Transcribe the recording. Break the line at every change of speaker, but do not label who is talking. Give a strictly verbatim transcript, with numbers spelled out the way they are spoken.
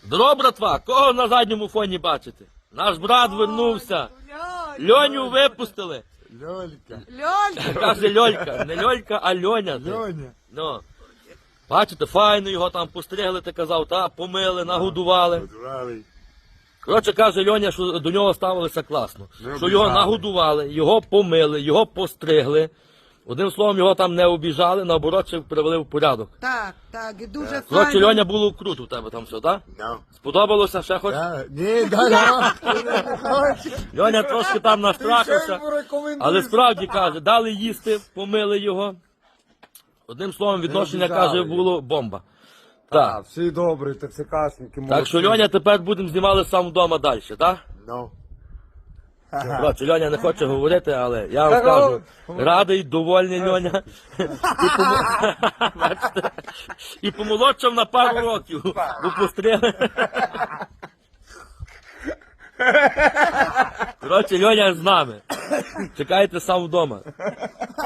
Здорово, братва, кого на задньому фоні бачите? Наш брат вернувся. Льоню випустили.
Льолька.
Льолька.
Каже Льолька, не Льолька, а Льоня. ти.
Льоня.
Ну. Бачите, файно його там постригли, ти казав, та, помили, нагодували.
Подвали.
Коротше, каже Льоня, що до нього ставилися класно.
Не
Що його
обіжали.
нагодували, його помили, його постригли. Одним словом, його там не обіжали, наоборот, ще привели в порядок.
Так, так, і дуже
Коротше,
файно.
Льоня, було круто у тебе там все, так?
Ну.
Сподобалося ще хоч?
Да. Ні, да, да.
Льоня трошки там настрахався.
Ще йому рекомендую.
Але справді каже, дали їсти, помили його. Одним словом, відношення,
обіжали
каже,
його.
було бомба.
Так,
Так.
всі добрі, ТЦКшники,
Так що, Льоня, тепер будемо знімали сам вдома далі, так?
Ну.
Коротше, Льоня не хоче говорити, але я вам скажу, радий, довольний Льоня. І, помо... Бачите? І помолодшав на пару років, бо постріли. Коротше, Льоня з нами. Чекайте сам вдома.